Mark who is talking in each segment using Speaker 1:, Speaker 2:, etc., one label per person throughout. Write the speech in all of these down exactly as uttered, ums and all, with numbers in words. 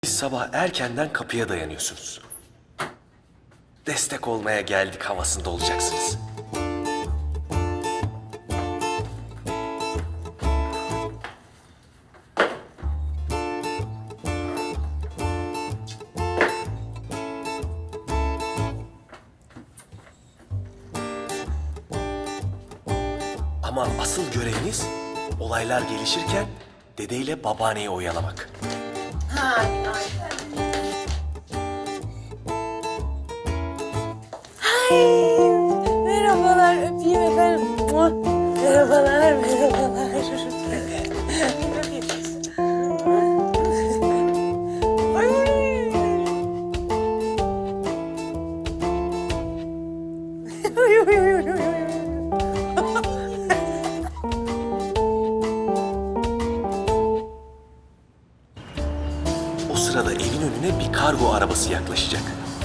Speaker 1: Sabah erkenden kapıya dayanıyorsunuz. Destek olmaya geldik havasında olacaksınız. Ama asıl göreviniz olaylar gelişirken dedeyle babaanneyi oyalamak.
Speaker 2: Ha, merhabalar, öpeyim efendim. Muah. Merhabalar, merhabalar. Ay. Ay, ay, ay, ay, ay.
Speaker 1: O sırada evin önüne bir kargo arabası yaklaşacak.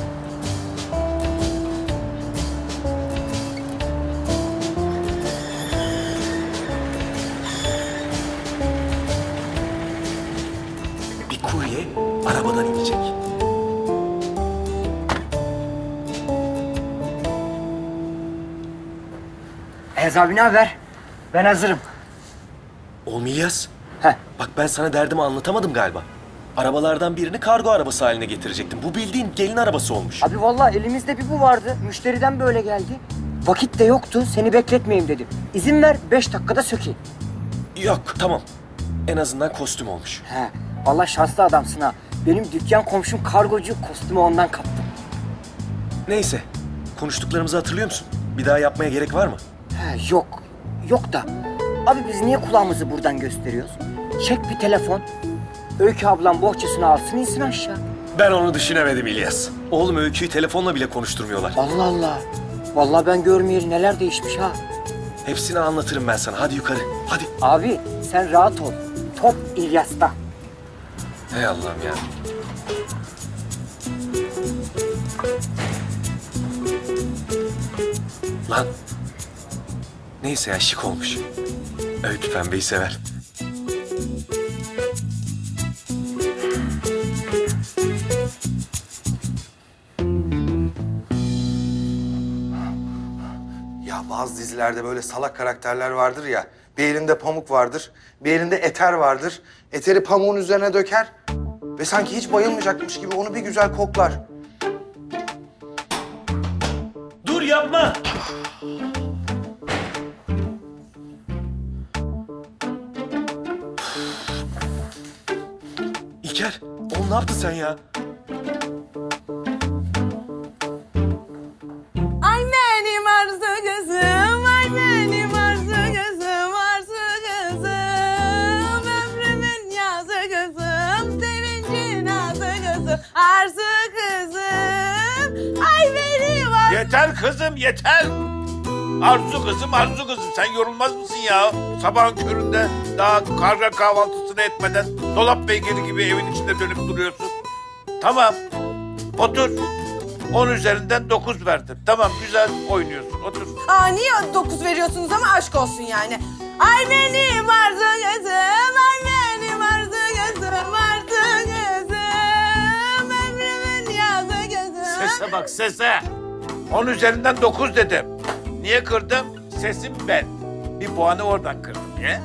Speaker 1: Bir kurye arabadan inecek.
Speaker 3: Ayaz abi ne haber? Ben hazırım.
Speaker 1: Oğlum İlyas,
Speaker 3: Heh.
Speaker 1: bak ben sana derdimi anlatamadım galiba. Arabalardan birini kargo arabası haline getirecektim. Bu bildiğin gelin arabası olmuş.
Speaker 3: Abi vallahi elimizde bir bu vardı. Müşteriden böyle geldi. Vakit de yoktu. Seni bekletmeyeyim dedim. İzin ver beş dakikada sökeyim.
Speaker 1: Yok, tamam. En azından kostüm olmuş.
Speaker 3: He. Vallahi şanslı adamsın ha. Benim dükkan komşum kargocu, kostümü ondan kaptım.
Speaker 1: Neyse, konuştuklarımızı hatırlıyor musun? Bir daha yapmaya gerek var mı?
Speaker 3: He yok. Yok da. Abi biz niye kulağımızı buradan gösteriyoruz? Çek bir telefon. Öykü ablam bohçasını alsın insin aşağı.
Speaker 1: Ben onu düşünemedim İlyas. Oğlum Öykü'yü telefonla bile konuşturmuyorlar.
Speaker 3: Allah Allah. Vallahi ben görmeyeli neler değişmiş ha.
Speaker 1: Hepsini anlatırım ben sana. Hadi yukarı, hadi.
Speaker 3: Abi sen rahat ol. Top İlyas'ta.
Speaker 1: Hey Allah'ım ya. Lan. Neyse ya, şık olmuş. Öykü pembeyi sever.
Speaker 4: Ya bazı dizilerde böyle salak karakterler vardır ya. Bir elinde pamuk vardır, bir elinde eter vardır. Eteri pamuğun üzerine döker ve sanki hiç bayılmayacakmış gibi onu bir güzel koklar.
Speaker 1: Dur, yapma. İlker, oğlum ne yaptın sen ya?
Speaker 2: Ay benim arzu kızım, ay benim arzu kızım, arzu kızım. Ömrümün yazı kızım, sevincin azı kızım, arzu kızım. Ay benim arzu...
Speaker 5: Yeter kızım yeter. Arzu kızım Arzu kızım sen yorulmaz mısın ya? Sabahın köründe daha karga kahvaltısını etmeden dolap beygiri gibi evin içinde dönüp duruyorsun. Tamam otur. On üzerinden dokuz verdim. Tamam güzel oynuyorsun otur.
Speaker 2: Aa, niye dokuz veriyorsunuz ama aşk olsun yani. Ay benim arzu kızım, ay benim arzu kızım, arzu kızım. Ömrümün yazı kızım.
Speaker 5: Sese bak sese. On üzerinden dokuz dedim. Niye kırdım? Sesim ben. Bir puanı oradan kırdım. Niye?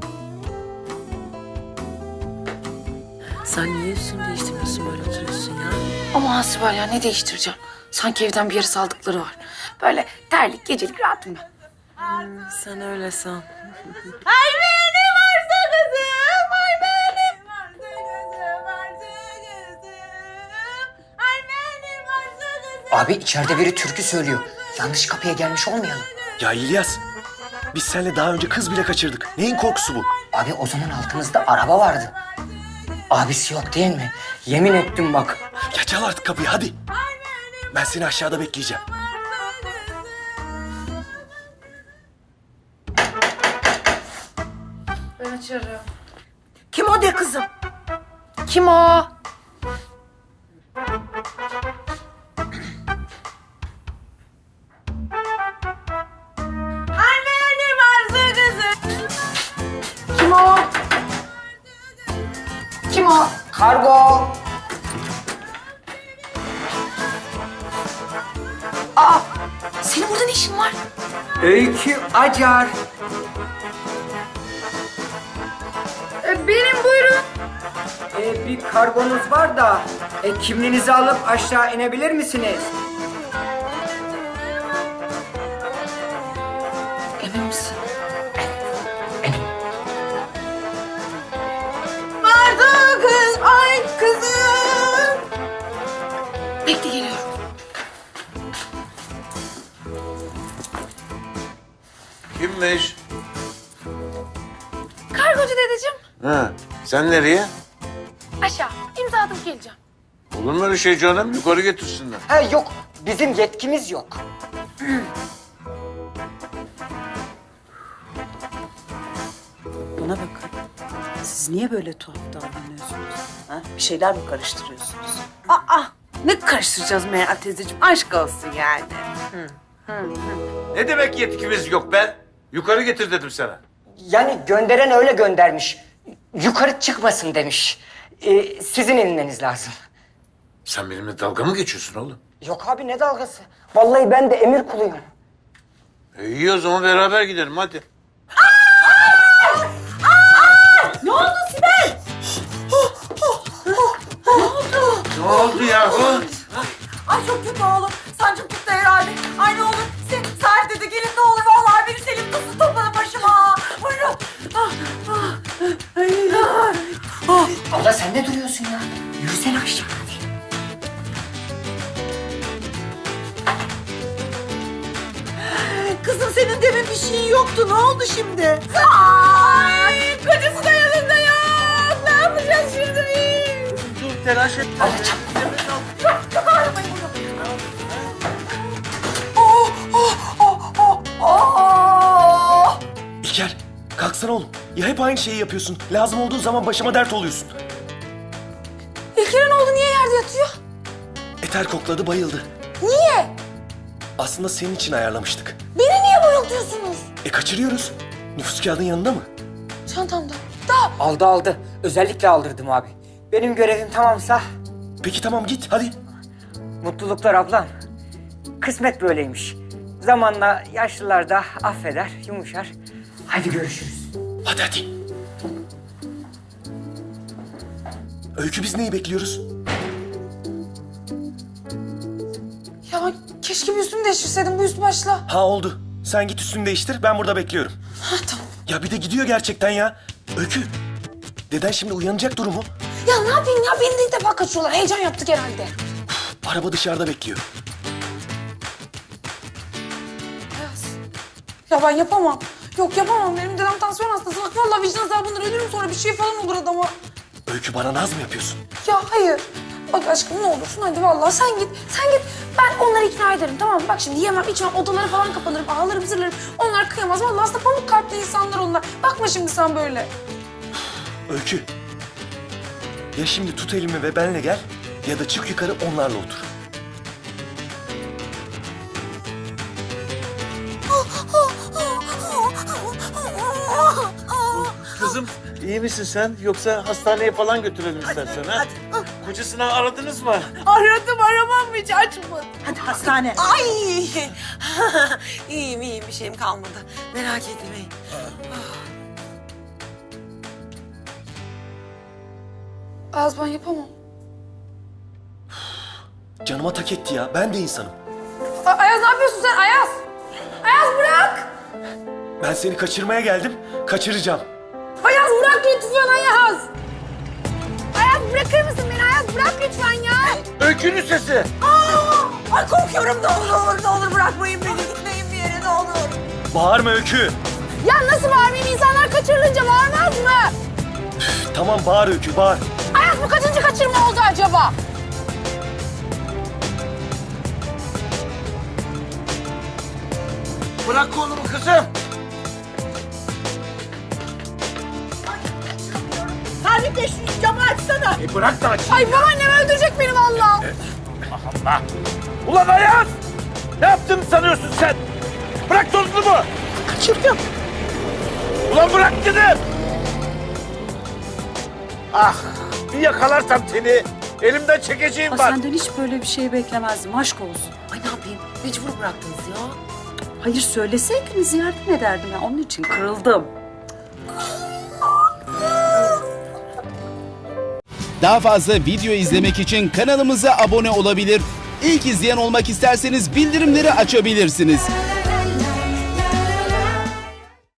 Speaker 6: Sen niye üstünü değiştirmiyorsun, böyle oturuyorsun ya? Ama Hasibel ya, ne değiştireceğim? Sanki evden bir yere saldıkları var. Böyle terlik, gecelik rahatım ben. Hmm, sen öyle san.
Speaker 2: Ay benim arzu kızım, ay benim arzu kızım, arzu kızım. Ay benim arzu kızım.
Speaker 3: Abi içeride biri türkü söylüyor. Yanlış kapıya gelmiş olmayalım.
Speaker 1: Ya İlyas, biz seninle daha önce kız bile kaçırdık. Neyin korkusu bu?
Speaker 3: Abi o zaman altımızda araba vardı. Abisi yok değil mi? Yemin ettim bak.
Speaker 1: Ya çal artık kapıyı, hadi. Ben seni aşağıda bekleyeceğim.
Speaker 6: Ben açarım.
Speaker 2: Kim o de kızım?
Speaker 6: Kim o?
Speaker 2: Ay benim arzu kızım.
Speaker 6: Kim o? Kim o?
Speaker 3: Kargo. Öykü Acar.
Speaker 6: E, benim buyurun.
Speaker 3: Ee, bir kargonuz var da e, kimliğinizi alıp aşağı inebilir misiniz?
Speaker 6: Emin misin?
Speaker 2: Vardı kız, ay kızım.
Speaker 6: Bekle geliyorum.
Speaker 5: Kimmiş?
Speaker 6: Kargocu dedeciğim.
Speaker 5: Ha, sen nereye?
Speaker 6: Aşağı. İmza atıp geleceğim.
Speaker 5: Olur mu öyle şey canım? Yukarı getirsinler.
Speaker 3: Ha yok, bizim yetkimiz yok.
Speaker 7: Bana bakın. Siz niye böyle tuhaf davranıyorsunuz? Ha? Bir şeyler mi karıştırıyorsunuz?
Speaker 2: Aa, ne karıştıracağız Meral teyzeciğim? Aşk olsun yani.
Speaker 5: Ne demek yetkimiz yok be? Yukarı getir dedim sana.
Speaker 3: Yani gönderen öyle göndermiş. Yukarı çıkmasın demiş. Ee, sizin inmeniz lazım.
Speaker 5: Sen benimle dalga mı geçiyorsun oğlum?
Speaker 3: Yok abi ne dalgası? Vallahi ben de emir kuluyum.
Speaker 5: E iyi o zaman beraber gidelim hadi.
Speaker 2: Ne oldu Sibel?
Speaker 5: Ne oldu yahu?
Speaker 2: Ay çok kötü oğlum. Sancım tuttu herhalde. Ay ne olur. Sen, Sahip dedi gelin ne olur. Vallahi beni Selim tutsun topladı başıma. Buyurun. Ah, ah. Ay, ay. Ah.
Speaker 3: Abla sen ne duruyorsun ya? Yürüsene aşağı hadi.
Speaker 2: Kızım senin demin bir şeyin yoktu. Ne oldu şimdi? Ay, kocası da yanında yok. Ne yapacağız şimdi?
Speaker 5: Dur telaş et.
Speaker 3: Abla çabuk.
Speaker 2: Çok, çok ağrımayın bunu. Oh, oh, oh, oh, oh.
Speaker 1: İlker, kalksana oğlum. Ya hep aynı şeyi yapıyorsun. Lazım olduğu zaman başıma dert oluyorsun.
Speaker 2: İlker'in oğlu niye yerde yatıyor?
Speaker 1: Eter kokladı, bayıldı.
Speaker 2: Niye?
Speaker 1: Aslında senin için ayarlamıştık.
Speaker 2: Beni niye bayıltıyorsunuz?
Speaker 1: E kaçırıyoruz. Nüfus kağıdın yanında mı?
Speaker 2: Çantamda. Da.
Speaker 3: Aldı aldı. Özellikle aldırdım abi. Benim görevim tamamsa
Speaker 1: Peki tamam git hadi.
Speaker 3: mutluluklar ablam. Kısmet böyleymiş. Zamanla yaşlılar da affeder, yumuşar. Hadi görüşürüz.
Speaker 1: Hadi hadi. Öykü biz neyi bekliyoruz?
Speaker 2: Ya ben keşke bir üstümü değiştirseydim bu üst başla.
Speaker 1: Ha oldu. Sen git üstünü değiştir ben burada bekliyorum.
Speaker 2: Ha tamam.
Speaker 1: Ya bir de gidiyor gerçekten ya. Öykü. Deden şimdi uyanacak durumu.
Speaker 2: Ya ne yapayım ya beni de ilk defa kaçıyorlar. Heyecan yaptık herhalde.
Speaker 1: Araba dışarıda bekliyor.
Speaker 2: Ayaz. Ya ben yapamam. Yok yapamam. Benim dedem tansiyon hastası. Bak vallahi vicdan azabından ölürüm sonra bir şey falan olur adama.
Speaker 1: Öykü bana naz mı yapıyorsun?
Speaker 2: Ya hayır. Bak aşkım ne olursun hadi vallahi sen git. Sen git. Ben onları ikna ederim tamam mı? Bak şimdi yemem içmem odalara falan kapanırım. Ağlarım zırlarım. Onlar kıyamaz. Vallahi aslında pamuk kalpli insanlar onlar. Bakma şimdi sen böyle.
Speaker 1: Öykü. Ya şimdi tut elimi ve benle gel ya da çık yukarı onlarla otur.
Speaker 5: Kızım iyi misin sen? Yoksa hastaneye falan götürelim istersen ha? Kocasını aradınız mı?
Speaker 2: Aradım aramam hiç açmadı.
Speaker 7: Hadi hastane.
Speaker 2: Ay! iyiyim iyiyim bir şeyim kalmadı. Merak etmeyin. Az ben yapamam.
Speaker 1: Canıma tak etti ya. Ben de insanım.
Speaker 2: A- Ayaz ne yapıyorsun sen Ayaz? Ayaz bırak!
Speaker 1: Ben seni kaçırmaya geldim. Kaçıracağım.
Speaker 2: Ayaz bırak lütfen Ayaz! Ayaz bırakır mısın beni Ayaz? Bırak lütfen ya!
Speaker 5: Öykünün sesi.
Speaker 2: Aa! Ay korkuyorum ne olur ne olur bırakmayın beni gitmeyin bir yere ne olur.
Speaker 1: Bağırma Öykü.
Speaker 2: Ya nasıl bağırmayayım insanlar kaçırılınca bağırmaz mı?
Speaker 1: Üf, tamam bağır Öykü bağır.
Speaker 2: Ayaz bu kaçıncı kaçırma oldu acaba?
Speaker 5: Bırak kolumu kızım.
Speaker 2: Sabit de şu camı açsana.
Speaker 5: E bırak da açayım.
Speaker 2: Ay babaannem öldürecek beni vallahi.
Speaker 5: Allah. Ulan Ayaz! Ne yaptın sanıyorsun sen? Bırak tozunumu.
Speaker 2: Kaçırdım.
Speaker 5: Ulan bırak dedim. Ah bir yakalarsam seni elimden çekeceğim
Speaker 7: Aa,
Speaker 5: var.
Speaker 7: senden hiç böyle bir şey beklemezdim. Aşk olsun.
Speaker 6: Ay ne yapayım? Mecbur bıraktınız ya.
Speaker 7: Hayır söyleseydiniz yardım ederdim. Ya. Onun için kırıldım.
Speaker 8: Daha fazla video izlemek için kanalımıza abone olabilir. İlk izleyen olmak isterseniz bildirimleri açabilirsiniz.